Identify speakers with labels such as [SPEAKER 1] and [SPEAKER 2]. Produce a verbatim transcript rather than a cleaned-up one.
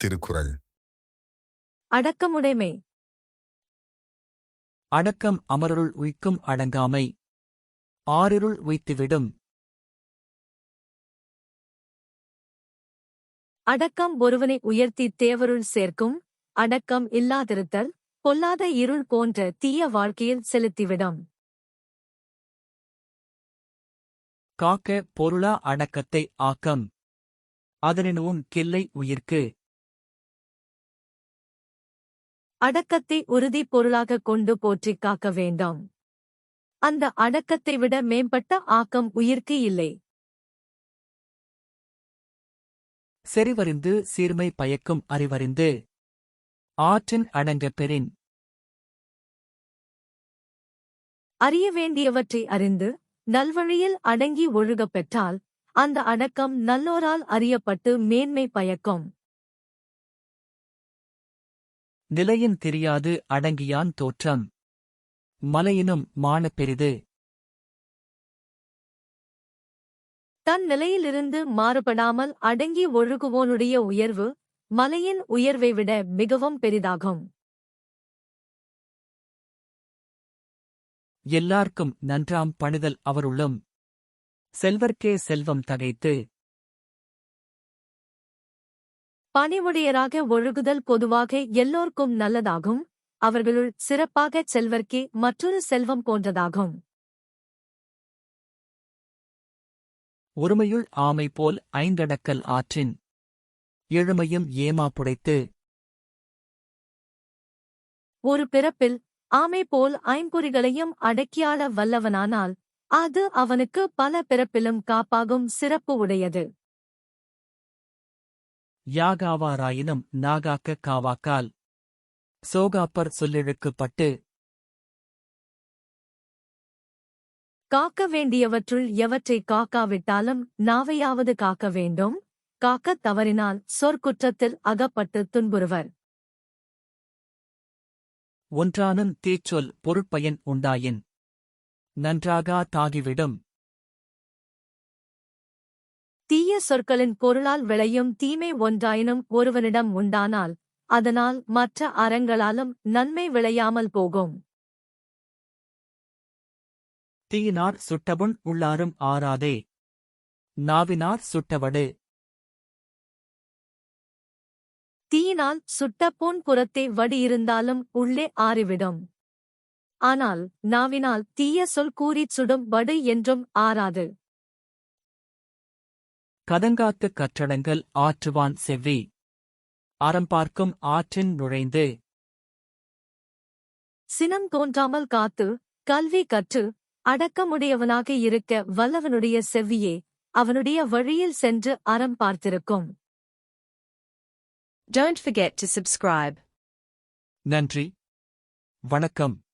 [SPEAKER 1] திருக்குறள்.
[SPEAKER 2] அடக்கமுடைமை.
[SPEAKER 3] அடக்கம் அமருள் உய்க்கும் அடங்காமை. ஆறிருள் உய்த்துவிடும்.
[SPEAKER 2] அடக்கம் ஒருவனை உயர்த்தி தேவருள் சேர்க்கும். அடக்கம் இல்லாதிருத்தல் பொல்லாத இருள் போன்ற தீய வாழ்க்கையில் செலுத்திவிடும்.
[SPEAKER 3] காக்க பொருளா அடக்கத்தை ஆக்கம். அதனினும் கில்லை உயிர்க்கு.
[SPEAKER 2] அடக்கத்தை உறுதி பொருளாகக் கொண்டு போற்றிக் காக்க வேண்டும். அந்த அடக்கத்தை விட மேம்பட்ட ஆக்கம் உயிர்க்கு இல்லை.
[SPEAKER 3] செறிவறிந்து சீர்மை பயக்கும் அறிவறிந்து. ஆற்றின் அடங்க பெறின்.
[SPEAKER 2] அறிய வேண்டியவற்றை அறிந்து நல்வழியில் அடங்கி ஒழுகப் பெற்றால் அந்த அடக்கம் நல்லோரால் அறியப்பட்டு மேன்மை பயக்கும்.
[SPEAKER 3] நிலையின் தெரியாது அடங்கியான் தோற்றம். மலையினும் மான பெரிது.
[SPEAKER 2] தன் நிலையிலிருந்து மாறுபடாமல் அடங்கி ஒழுகுவோனுடைய உயர்வு மலையின் உயர்வை விட மிகவும் பெரிதாகும்.
[SPEAKER 3] எல்லார்க்கும் நன்றாம் பணிதல் அவருள்ளும். செல்வர்க்கே செல்வம் தகைத்து.
[SPEAKER 2] பணிவுடையராக ஒழுகுதல் பொதுவாக எல்லோர்க்கும் நல்லதாகும். அவர்களுள் சிறப்பாகச் செல்வர்க்கே மற்றொரு செல்வம் போன்றதாகும்.
[SPEAKER 3] ஒருமையுள் ஆமை போல் ஐந்தடக்கல் ஆற்றின். எழுமையும் ஏமா புடைத்து.
[SPEAKER 2] ஒரு பிறப்பில் ஆமை போல் ஐம்பொறிகளையும் அடக்கியாள வல்லவனானால் அது அவனுக்கு பல பிறப்பிலும் காப்பாகும் சிறப்பு உடையது.
[SPEAKER 3] யாகாவாராயினும் நாகாக்க காவாக்கால். சோகாப்பர் சொல்லிழுக்குப்பட்டு.
[SPEAKER 2] காக்க வேண்டியவற்றுள் எவற்றை காக்காவிட்டாலும் நாவையாவது காக்க வேண்டும். காக்கத் தவறினால் சொற்குற்றத்தில் அகப்பட்டு துன்புறுவர்.
[SPEAKER 3] ஒன்றானும் தீச்சொல் பொருட்பயன் உண்டாயின். நன்றாகா தாகிவிடும்.
[SPEAKER 2] தீய சொற்களின் பொருளால் விளையும் தீமை ஒன்றாயினும் ஒருவனிடம் உண்டானால் அதனால் மற்ற அறங்களாலும் நன்மை விளையாமல் போகும்.
[SPEAKER 3] தீயினார் சுட்டபுண் உள்ளாரும் ஆறாதே. நாவினார் சுட்டவடு.
[SPEAKER 2] தீயினால் சுட்ட பொன் புறத்தே வடி இருந்தாலும் உள்ளே ஆறிவிடும். ஆனால் நாவினால் தீய சொல் கூறிச் சுடும் வடு என்றும் ஆறாது.
[SPEAKER 3] கதங்காத்து கற்றடங்கள் ஆற்றுவான் செவ்வி. அறம்பார்க்கும் ஆற்றின் நுழைந்து.
[SPEAKER 2] சினம் தோன்றாமல் காத்து கல்வி கற்று அடக்கமுடையவனாக இருக்க வல்லவனுடைய செவ்வியே அவனுடைய வழியில் சென்று அறம் பார்த்திருக்கும்.
[SPEAKER 4] Don't forget to subscribe.
[SPEAKER 3] நன்றி. வணக்கம்.